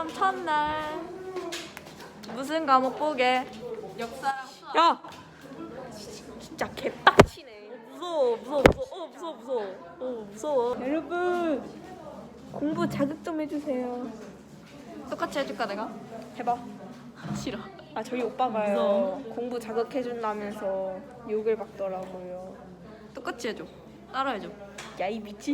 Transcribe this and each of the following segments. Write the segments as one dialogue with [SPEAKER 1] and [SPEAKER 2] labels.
[SPEAKER 1] 시험 첫날 무슨 과목 보게?
[SPEAKER 2] 역사랑 수학.
[SPEAKER 1] 야! 진짜 개빡치네. 무서워. 무서워. 여러분 공부 자극 좀 해주세요.
[SPEAKER 2] 똑같이 해줄까 내가?
[SPEAKER 1] 해봐.
[SPEAKER 2] 싫어.
[SPEAKER 1] 아 저희 오빠가요.
[SPEAKER 2] 무서워.
[SPEAKER 1] 공부 자극해준다면서 욕을 받더라고요.
[SPEAKER 2] 똑같이 해줘. 따라해줘.
[SPEAKER 1] 야 이 미친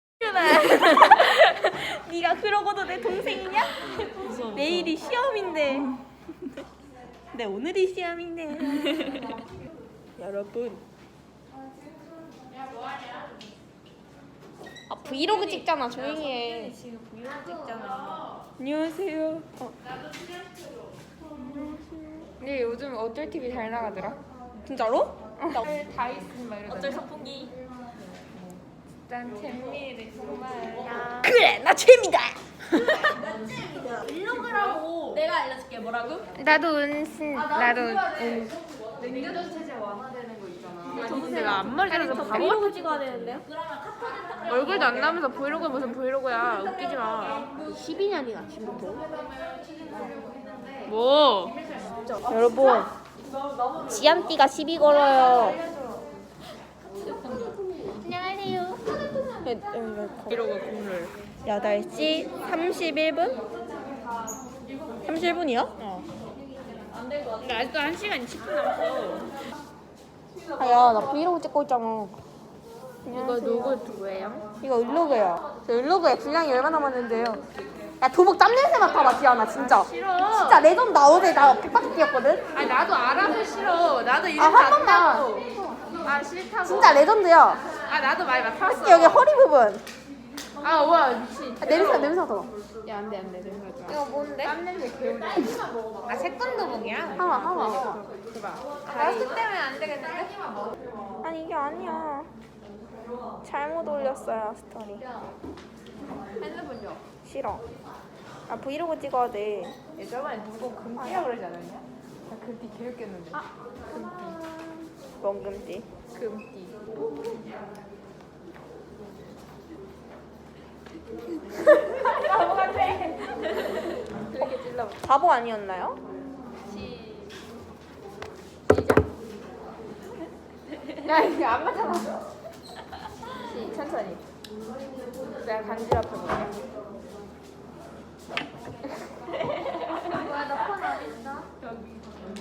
[SPEAKER 1] 네가 그러고도 내 동생이냐?
[SPEAKER 2] 무서워.
[SPEAKER 1] 내일이 시험인데 내 오늘이 시험인데 여러분 아 브이로그 찍잖아 조용히 해.
[SPEAKER 2] 지금 브이로그 찍잖아.
[SPEAKER 1] 안녕하세요. 근데 요즘 어쩔 TV 잘 나가더라. 진짜로?
[SPEAKER 2] 다 있으면 막 이러잖아. 어쩔 선풍기.
[SPEAKER 1] 난 재미를 정말.
[SPEAKER 2] 야.
[SPEAKER 1] 그래 나 재미다.
[SPEAKER 2] 브이로그라고. 내가 알려줄게. 뭐라고?
[SPEAKER 1] 나도 은신 나도
[SPEAKER 2] 냉전 체제 완화되는 거 있잖아.
[SPEAKER 1] 내가 앞머리 자라서
[SPEAKER 2] 브이로그 찍어야 되는데요?
[SPEAKER 1] 얼굴도 안 나오면서 브이로그 무슨 브이로그야. 웃기지 마.
[SPEAKER 2] 12년이나 지금부터.
[SPEAKER 1] 뭐? 여러분 지암띠가 시비 걸어요.
[SPEAKER 2] 안녕하세요.
[SPEAKER 1] 브이로그 국룰 8시 31분? 31분이요? 어. 근데 아직도 1시간 20분 남았어. 아야 나 브이로그 찍고 있잖아.
[SPEAKER 2] 이거 누구 누구예요?
[SPEAKER 1] 이거 을로그예요. 저 을로그에 분량이 얼마 남았는데요. 야 도복 땀 냄새 맡아봐 지아나 진짜.
[SPEAKER 2] 싫어.
[SPEAKER 1] 진짜 레전드 나 어제 나 백바퀴 뛰었거든.
[SPEAKER 2] 아니 나도 알아서 싫어. 나도 이름
[SPEAKER 1] 한 번만.
[SPEAKER 2] 아 싫다고.
[SPEAKER 1] 진짜 레전드야.
[SPEAKER 2] 아 나도 많이 맡았어.
[SPEAKER 1] 여기 허리 부분.
[SPEAKER 2] 아 우와 미친.
[SPEAKER 1] 아, 냄새 맡아.
[SPEAKER 2] 야 안돼 냄새 나지 마.
[SPEAKER 1] 이거 뭔데?
[SPEAKER 2] 땀 냄새 개운해. 아 색건도복이야?
[SPEAKER 1] 하마.
[SPEAKER 2] 마스크 때문에 안 되겠는데?
[SPEAKER 1] 아니 이게 아니야. 잘못 올렸어요 스토리.
[SPEAKER 2] 핸드폰 줘.
[SPEAKER 1] 싫어. 아 브이로그 찍어야 돼.
[SPEAKER 2] 예전에 누구 금띠라 그러지 않았냐? 나 금띠 개웃겼는데.
[SPEAKER 1] 멍금띠.
[SPEAKER 2] 금띠. 바보 같아. 그렇게 찔러.
[SPEAKER 1] 바보 아니었나요?
[SPEAKER 2] 시작. 야 이게 안 맞잖아. 천천히. 내가 간지럽혀 볼게. 뭐야 너 폰 어디 있어? 여기.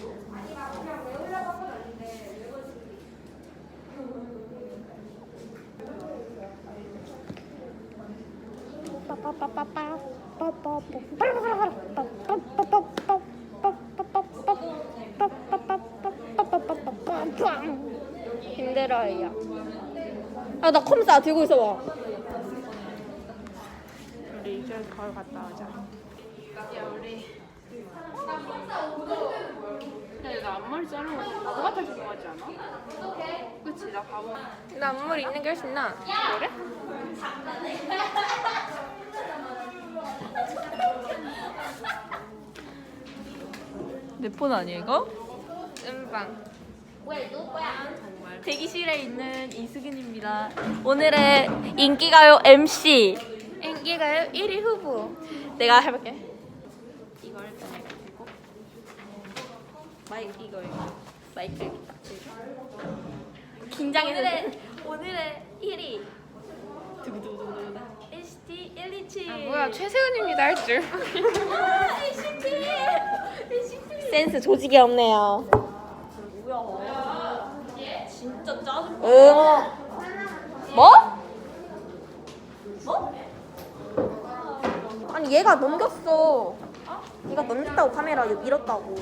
[SPEAKER 1] 힘들어요. 아 나 컴사 들고 있어봐. 우리 이제 거울 갔다 오자.
[SPEAKER 2] 야 우리. 야, 나 앞머리 자르고 바보 같아질 것 같지 않아? 그치, 나 바보.
[SPEAKER 1] 나 앞머리 있는 게 훨씬 나. 그래?
[SPEAKER 2] 내 폰 아니야 이거?
[SPEAKER 1] 음방.
[SPEAKER 2] 정말.
[SPEAKER 1] 대기실에 있는 이수근입니다. 오늘의 인기가요 MC. 인기가요 1위 후보. 내가 해볼게.
[SPEAKER 2] 이걸 일단 이렇게 들고.
[SPEAKER 1] 마이크 이거 마이크 여기 딱 들고. 긴장해서. 오늘의 1위. 두구두구두구. NCT 127.
[SPEAKER 2] 아, 뭐야 최세훈입니다 할 줄.
[SPEAKER 1] NCT. 센스 조직이 없네요.
[SPEAKER 2] 뭐야? 진짜 짜증.
[SPEAKER 1] 뭐? 아니 얘가 넘겼어. 얘가 넘겼다고 카메라 이거 밀었다고.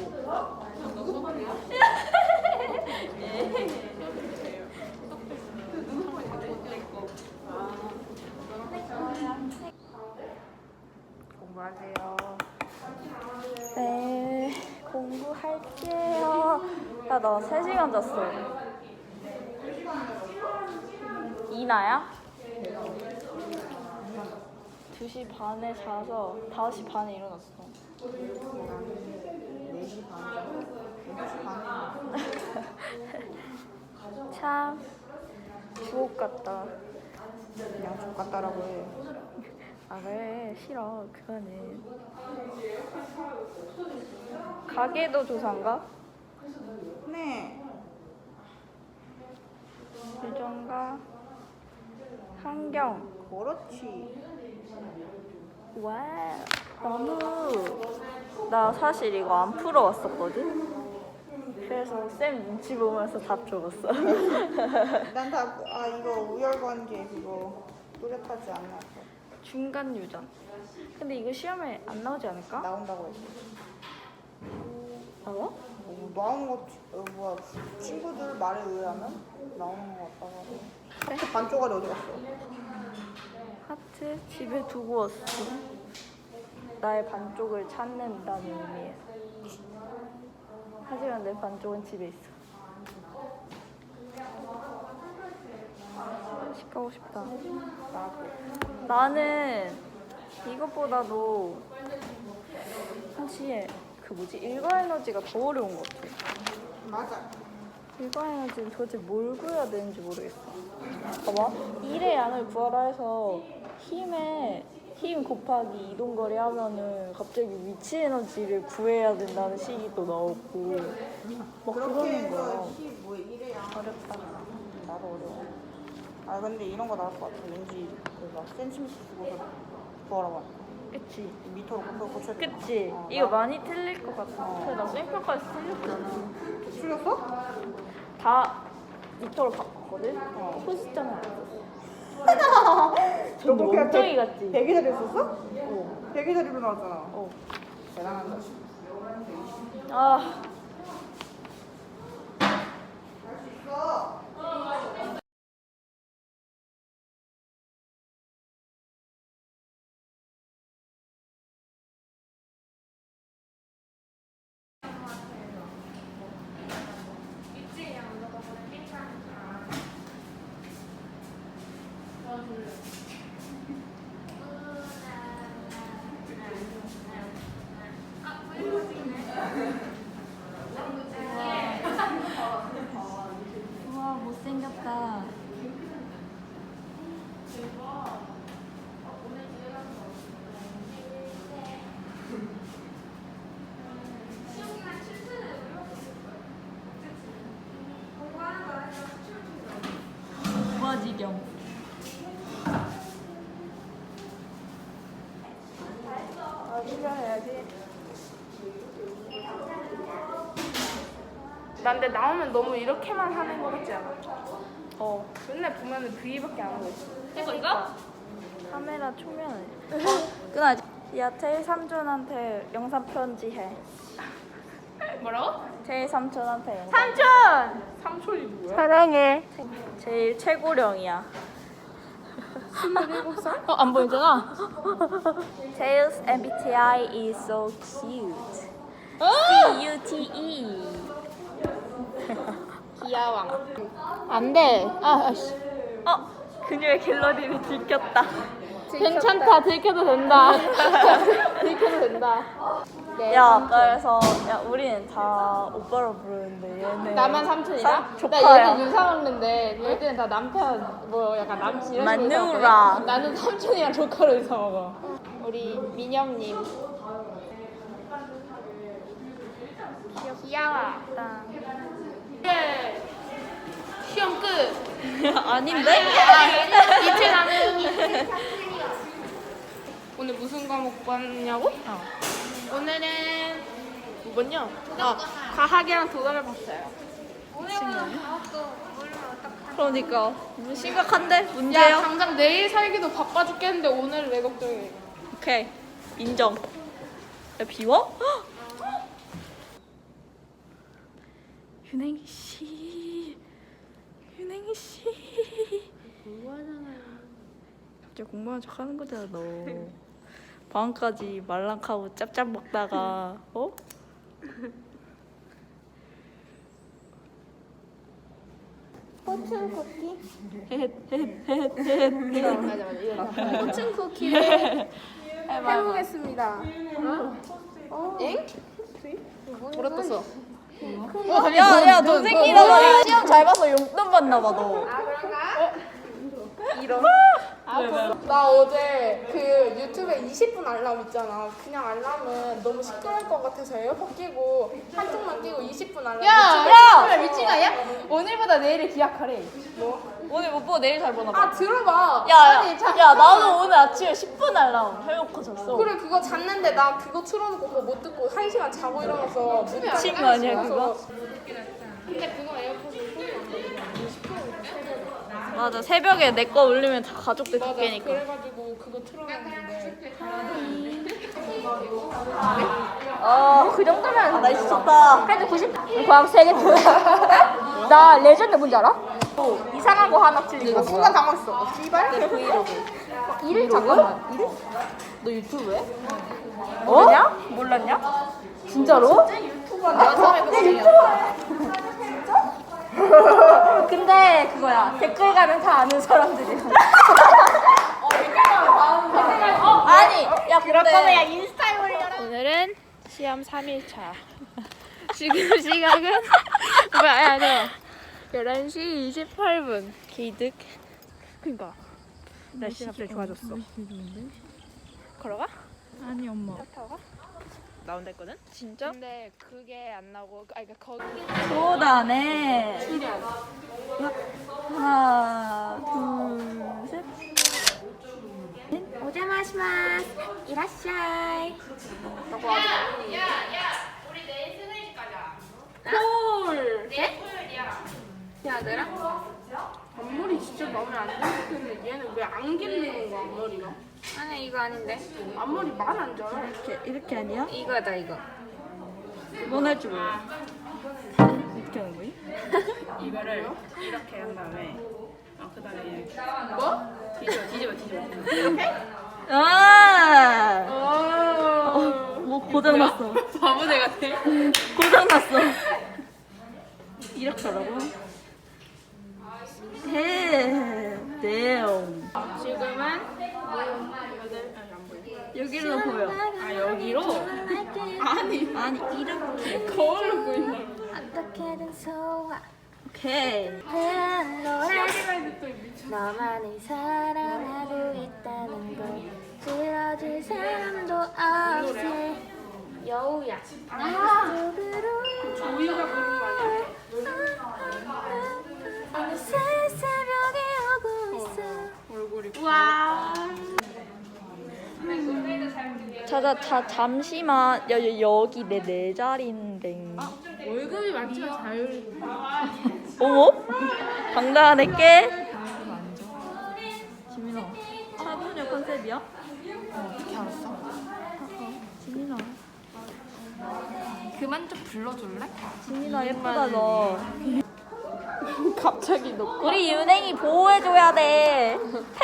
[SPEAKER 2] 공부하세요.
[SPEAKER 1] 네, 공부할게요. 야, 나 3시간 잤어. 이나야? 2시 반에 자서 5시 반에 일어났어.
[SPEAKER 2] 4시 반. 6시 반에.
[SPEAKER 1] 참 주옥 같다.
[SPEAKER 2] 그냥 족 같다라고 해.
[SPEAKER 1] 아 그래 싫어 그거는. 가게도 조사인가?
[SPEAKER 3] 네.
[SPEAKER 1] 유전가 환경.
[SPEAKER 3] 그렇지.
[SPEAKER 1] 와 너무. 나 사실 이거 안 풀어왔었거든. 그래서 쌤 눈치 보면서 답 적었어.
[SPEAKER 3] 이거 우열관계 그거 뚜렷하지 않아.
[SPEAKER 1] 중간 유전. 근데 이거 시험에 안 나오지 않을까?
[SPEAKER 3] 나온다고 했어.
[SPEAKER 1] 나와?
[SPEAKER 3] 나오는 거 뭐야 친구들 말에 의하면 나오는 거 같다고 하고. 하트 반 쪼가리 어디 갔어?
[SPEAKER 1] 하트 집에 두고 왔어. 나의 반쪽을 찾는다는 의미에서. 하지만 내 반쪽은 집에 있어. 식 가고 싶다. 나는 이것보다도 사실 그 뭐지 일과 에너지가 더 어려운 것 같아.
[SPEAKER 3] 맞아.
[SPEAKER 1] 일과 에너지는 도대체 뭘 구해야 되는지 모르겠어. 봐봐. 1의 양을 구하라 해서 힘 곱하기 이동거리 하면은 갑자기 위치 에너지를 구해야 된다는 식이 또 나오고 막
[SPEAKER 3] 그렇게
[SPEAKER 1] 그러는
[SPEAKER 3] 해서
[SPEAKER 1] 거야.
[SPEAKER 3] 뭐 이래야
[SPEAKER 1] 어렵다.
[SPEAKER 3] 나도 어려워. 아 근데 이런 거 나올 것 같아. 왠지 그막 센티미터 쓰고서 구하라고 하니까.
[SPEAKER 1] 그치?
[SPEAKER 3] 미터로 고쳐야 돼.
[SPEAKER 1] 그치? 이거 많이 틀릴 것 같아. 그래 나 쌤표까지 틀렸잖아.
[SPEAKER 3] 틀렸어?
[SPEAKER 1] 다 미터로 바꿨거든? 포스트는 안 썼어.
[SPEAKER 3] 너 그렇게
[SPEAKER 1] 멍청이 같지?
[SPEAKER 3] 100의 자리 썼어?
[SPEAKER 1] 어.
[SPEAKER 3] 100의 자리로 나왔잖아.
[SPEAKER 1] 어.
[SPEAKER 3] 대단하다.
[SPEAKER 1] 아. 우와 못생겼다. 우아지경.
[SPEAKER 3] 출연해야지.
[SPEAKER 2] 난 근데 나오면 너무 이렇게만 하는 거 같지 않아?
[SPEAKER 1] 어.
[SPEAKER 2] 맨날 보면은 V밖에 안 하고 있어.
[SPEAKER 1] 이거? 카메라 초면에. 끊어야지. 야 제일 삼촌한테 영상 편지해.
[SPEAKER 2] 뭐라고?
[SPEAKER 1] 제일 삼촌한테 영상.
[SPEAKER 2] 삼촌! 삼촌이 누구야?
[SPEAKER 1] 사랑해. 제일 최고령이야.
[SPEAKER 2] 27살? 안 보이잖아?
[SPEAKER 1] Tails MBTI is so cute. CUTE.
[SPEAKER 2] 귀여워. 안 돼. 아씨.
[SPEAKER 1] 그녀의 갤러리를 들켰다.
[SPEAKER 2] 괜찮다. 들켜도 된다. 들켜도 된다. 네,
[SPEAKER 1] 야,
[SPEAKER 2] 삼촌.
[SPEAKER 1] 그래서 우리는 다 오빠로 부르는데 얘는
[SPEAKER 2] 나만 삼촌이다? 나
[SPEAKER 1] 조카야.
[SPEAKER 2] 얘는 유사 먹는데 얘들은 다 남편 뭐 약간 남친 이런 식으로
[SPEAKER 1] 마누라.
[SPEAKER 2] 생각하거든? 나는 삼촌이랑 조카로 유사 먹어. 우리 민영님 귀여워. 네. 시험 끝.
[SPEAKER 1] 아닌데?
[SPEAKER 2] 이틀 남은 오늘 무슨 과목 봤냐고? 오늘은 뭐냐? 과학이랑 도덕을 봤어요.
[SPEAKER 1] 그러니까 심각한데
[SPEAKER 2] 야
[SPEAKER 1] 문제요?
[SPEAKER 2] 당장 내일 살기도 바빠 죽겠는데 오늘 왜 걱정해?
[SPEAKER 1] 오케이 인정. 야 비워? 윤행이 씨, 윤행이 씨.
[SPEAKER 2] 공부하잖아요.
[SPEAKER 1] 진짜 공부하는 척 하는 거잖아 너. 방금까지 말랑하고 짭짭 먹다가
[SPEAKER 3] 포춘 쿠키?
[SPEAKER 2] 맞아 일어나.
[SPEAKER 3] 포춘 쿠키를
[SPEAKER 2] 해보겠습니다. 엥? 물었었어.
[SPEAKER 1] 야야 너 새끼라고 시험 잘 봐서 용돈 받나 봐 너.
[SPEAKER 2] 이런.
[SPEAKER 3] 나 어제 그 유튜브에 20분 알람 있잖아. 그냥 알람은 너무 시끄러울 것 같아서 에어팟 끼고 한쪽만 끼고 20분 알람.
[SPEAKER 1] 야!
[SPEAKER 3] 미친 거 아니야? 오늘보다 내일을 기약하래. 뭐?
[SPEAKER 1] 오늘 못 보고 내일 잘 보나 봐.
[SPEAKER 3] 아 들어봐.
[SPEAKER 1] 야,
[SPEAKER 3] 아니,
[SPEAKER 1] 야, 나도 오늘 아침에 10분 알람 해놓고 잤어.
[SPEAKER 3] 그래 그거 잤는데 나 그거 틀어놓고 그거 못 듣고 1시간 자고 일어나서
[SPEAKER 1] 미친 거 아니야, 그거?
[SPEAKER 3] 근데 그거 에어팟을
[SPEAKER 1] 맞아, 새벽에 내 거 울리면 다 가족들
[SPEAKER 3] 맞아.
[SPEAKER 1] 듣게니까.
[SPEAKER 3] 그래가지고 그거 틀어놨는데
[SPEAKER 1] 그 정도면 날씨 좋다.
[SPEAKER 4] 그래도 90. 과학 3개 틀려. 나 레전드 뭔지 알아? 이상한 거 하나 틀린
[SPEAKER 3] 나
[SPEAKER 4] 거.
[SPEAKER 3] 순간 당황했어. 씨발?
[SPEAKER 1] 내 브이로그.
[SPEAKER 4] 이름 잠깐만. 이름?
[SPEAKER 1] 너 유튜브 해?
[SPEAKER 4] 몰랐냐? 몰랐냐? 진짜로?
[SPEAKER 3] 내가 처음에 그거
[SPEAKER 4] 근데 그거야. 댓글가는 다 아는 사람들이야.
[SPEAKER 1] 아니, 야,
[SPEAKER 4] 그럴 거면 야
[SPEAKER 1] 근데
[SPEAKER 4] 인스타에 올려라.
[SPEAKER 2] 오늘은 시험 3일차. 지금 시각은 뭐야? 야, 저 11시 28분. 개이득. 그니까 날씨 갑자기 좋아졌어. 걸어가?
[SPEAKER 1] 아니, 엄마.
[SPEAKER 2] 타고 가?
[SPEAKER 1] 나온다 했거든?
[SPEAKER 2] 진짜? 근데 그게 안 나오고, 그러니까 거기
[SPEAKER 1] 쏟아내. 하나, 둘, 셋.
[SPEAKER 4] 오자마시마스. 이라샤이.
[SPEAKER 2] 콜. 야, 내랑 앞머리 진짜 마음에 안 드는데 얘는 왜 안 길리는 거야 앞머리가?
[SPEAKER 4] 아니 이거 아닌데.
[SPEAKER 2] 앞머리 말 안 져요?
[SPEAKER 1] 이렇게 아니야?
[SPEAKER 4] 이거다 이거.
[SPEAKER 1] 넌 할 줄 몰라. 어떻게 하는 거지?
[SPEAKER 5] 이거를 이렇게 한 다음에 그 다음에 이렇게
[SPEAKER 2] 뭐?
[SPEAKER 5] 뒤집어
[SPEAKER 1] 아!
[SPEAKER 2] 어.
[SPEAKER 1] 뭐 고장났어.
[SPEAKER 5] 바보들 같아.
[SPEAKER 1] 고장났어. 이렇게 하라고? 해. 대용.
[SPEAKER 2] 지금은
[SPEAKER 1] 여기로 보여.
[SPEAKER 5] 아 여기로?
[SPEAKER 1] 아니, 이렇게.
[SPEAKER 2] 거울로 보인다.
[SPEAKER 4] 어떻게든 소화.
[SPEAKER 1] 오케이.
[SPEAKER 4] 노래. 너만을 사랑하고 있다는 걸 들어줄 사람도 없이 여우야. 속으로
[SPEAKER 2] 조이가 부른 거 아니야?
[SPEAKER 4] 어느새 새벽이 오고 있어.
[SPEAKER 2] 얼굴이.
[SPEAKER 4] 와.
[SPEAKER 1] 잠시만. 여기 내 자리인데.
[SPEAKER 2] 월급이 많지만 자율.
[SPEAKER 1] 어머? 당당할게. 지민아, 차분의 컨셉이야?
[SPEAKER 3] 어떻게 알았어?
[SPEAKER 1] 지민아.
[SPEAKER 3] 그만 좀 불러줄래?
[SPEAKER 1] 지민아 예쁘다 너.
[SPEAKER 2] 갑자기 너.
[SPEAKER 1] 우리 윤행이 보호해줘야 돼.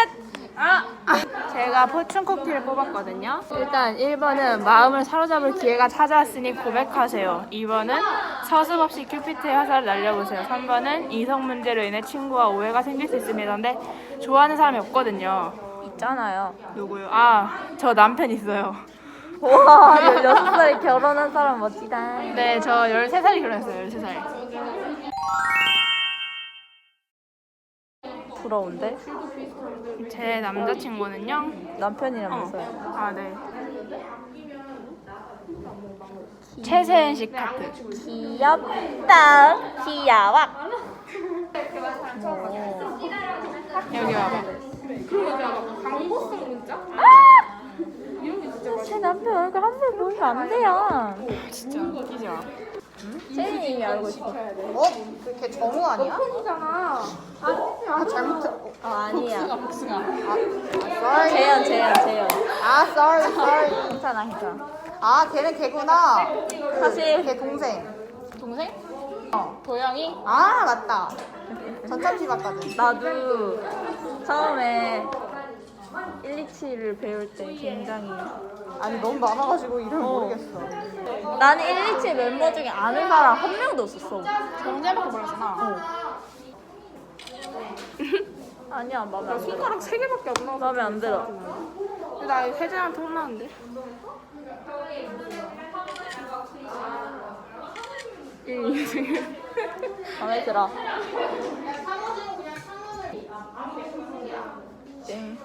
[SPEAKER 2] 제가 포춘 쿠키를 뽑았거든요. 일단 1번은 마음을 사로잡을 기회가 찾아왔으니 고백하세요. 2번은 서슴없이 큐피트의 화살을 날려보세요. 3번은 이성 문제로 인해 친구와 오해가 생길 수 있습니다. 근데 좋아하는 사람이 없거든요.
[SPEAKER 1] 있잖아요.
[SPEAKER 2] 누구요? 아, 저 남편 있어요.
[SPEAKER 1] 와, 16살에 결혼한 사람 멋지다.
[SPEAKER 2] 네, 저 13살이 결혼했어요. 13살.
[SPEAKER 1] 부러운데?
[SPEAKER 2] 제 남자친구는요?
[SPEAKER 1] 남편이라면서요.
[SPEAKER 2] 아, 네. 최세은 씨 카트.
[SPEAKER 1] 귀엽다. 귀여워.
[SPEAKER 2] 여기 와봐.
[SPEAKER 3] 광고성 문자?
[SPEAKER 1] 제 남편 얼굴 한 번 보면 안 돼요.
[SPEAKER 2] 진짜 웃기지 마.
[SPEAKER 1] 세인이 이미 알고 있어.
[SPEAKER 3] 어? 그걔 정우 아니야? 팬이잖아. 아 잘못.
[SPEAKER 1] 아니야.
[SPEAKER 3] sorry.
[SPEAKER 1] 재현.
[SPEAKER 3] 아 sorry.
[SPEAKER 1] 괜찮아, 괜찮아.
[SPEAKER 3] 아 걔는 걔구나.
[SPEAKER 1] 사실
[SPEAKER 3] 걔 동생.
[SPEAKER 2] 동생?
[SPEAKER 3] 어.
[SPEAKER 2] 도영이?
[SPEAKER 3] 아 맞다. 전참시 봤거든.
[SPEAKER 1] 나도 처음에 127을 배울 때 굉장히
[SPEAKER 3] 아니 너무 많아가지고 이름 모르겠어.
[SPEAKER 1] 나는 127 멤버 중에 아는 사람 한 명도 없었어.
[SPEAKER 2] 정재밖에 몰랐잖아.
[SPEAKER 1] 아니야, 마음에 안 들어.
[SPEAKER 2] 손가락 3개밖에 안 나와서.
[SPEAKER 1] 마음에 안 들어.
[SPEAKER 2] 근데 나 혜진한테 혼나는데.
[SPEAKER 1] 마음에 들어. 땡.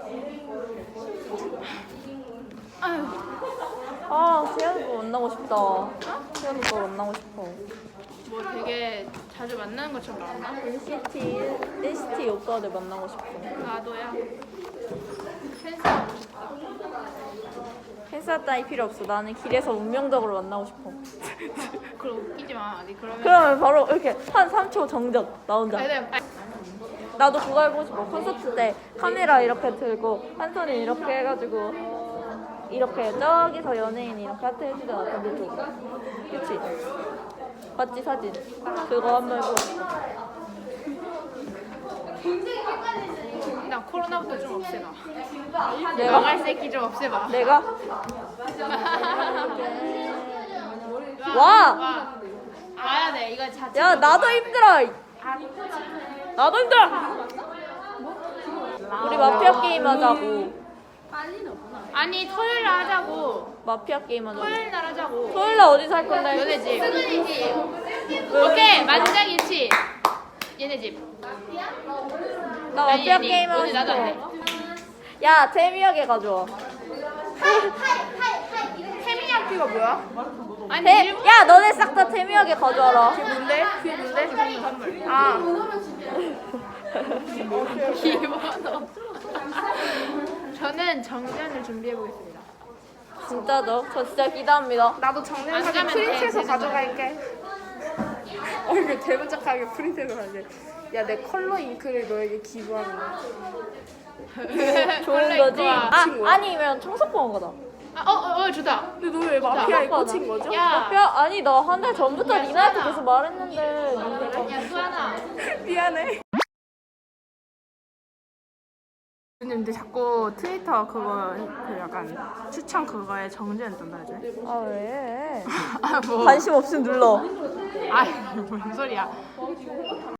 [SPEAKER 2] 아유.
[SPEAKER 1] 아, 세연이 거 만나고 싶다. 세연이 거 만나고 싶어.
[SPEAKER 2] 뭐 되게 자주 만나는 것처럼 나왔나?
[SPEAKER 1] NCT 오빠들 만나고 싶어.
[SPEAKER 2] 나도야. 팬싸움 싶다.
[SPEAKER 1] 팬싸 따위 필요 없어. 나는 길에서 운명적으로 만나고 싶어.
[SPEAKER 2] 그럼 웃기지 마. 아니 그러면.
[SPEAKER 1] 그러면 바로 이렇게 한 3초 정적 나 혼자.
[SPEAKER 2] 아니,
[SPEAKER 1] 나도 그거 해보고 싶어. 콘서트 때 카메라 이렇게 들고 한 손에 이렇게 해가지고 이렇게 저기서 연예인이 이렇게 하트 해주잖아. 반대쪽. 그치? 맞지 사진? 그거 한번 해보고 싶어.
[SPEAKER 2] 나 코로나부터 좀 없애봐.
[SPEAKER 1] 내가?
[SPEAKER 2] 나갈 새끼 좀 없애봐.
[SPEAKER 1] 내가? 와!
[SPEAKER 2] 와. 와야 돼. 이거 자체.
[SPEAKER 1] 야 나도 힘들어! 나도 힘들어! 우리 마피아 게임 하자고.
[SPEAKER 2] 아니 토요일 날 하자고.
[SPEAKER 1] 마피아 게임 하자고.
[SPEAKER 2] 토요일 날 하자고.
[SPEAKER 1] 토요일 날 어디서 할 건데?
[SPEAKER 2] 너네 집. 승은이 집.
[SPEAKER 1] 왜
[SPEAKER 2] 오케이 만장일치. 얘네 집.
[SPEAKER 1] 나 마피아
[SPEAKER 2] 아니,
[SPEAKER 1] 게임 하고
[SPEAKER 2] 오늘 나도 안 해.
[SPEAKER 1] 싶어. 야 재미하게 가져와.
[SPEAKER 3] 태민이학교가 뭐야?
[SPEAKER 2] 아니
[SPEAKER 1] 야 너네 싹 다 재미하게 가져와라.
[SPEAKER 3] 뭔데? 그게 뭔데?
[SPEAKER 2] 선물.
[SPEAKER 3] 아
[SPEAKER 2] 기본어. 저는 정전을 준비해 보겠습니다.
[SPEAKER 1] 진짜죠? 저 진짜 기대합니다.
[SPEAKER 3] 나도 정년
[SPEAKER 2] 안
[SPEAKER 3] 사진
[SPEAKER 2] 가면
[SPEAKER 3] 프린트해서
[SPEAKER 2] 돼,
[SPEAKER 3] 가져갈게. 얼굴 대문짝하게 프린트해서 가게. 야 내 컬러 잉크를 너에게 기부하는 거야.
[SPEAKER 1] 좋은 거지?
[SPEAKER 2] 거야.
[SPEAKER 1] 아니면 청소권 거다.
[SPEAKER 2] 좋다.
[SPEAKER 3] 근데 너 왜 마피아에
[SPEAKER 1] 자,
[SPEAKER 3] 꽂힌 거죠?
[SPEAKER 2] 야,
[SPEAKER 1] 마피아 아니 나 한 달 전부터 리나한테 계속 말했는데
[SPEAKER 2] 야 수아나.
[SPEAKER 3] 미안해.
[SPEAKER 2] 근데 자꾸 트위터 그거 그 약간 추천 그거에 정지는 좀 해줘.
[SPEAKER 1] 아 왜?
[SPEAKER 2] 뭐.
[SPEAKER 1] 관심 없으면 눌러.
[SPEAKER 2] 아이 뭔 소리야.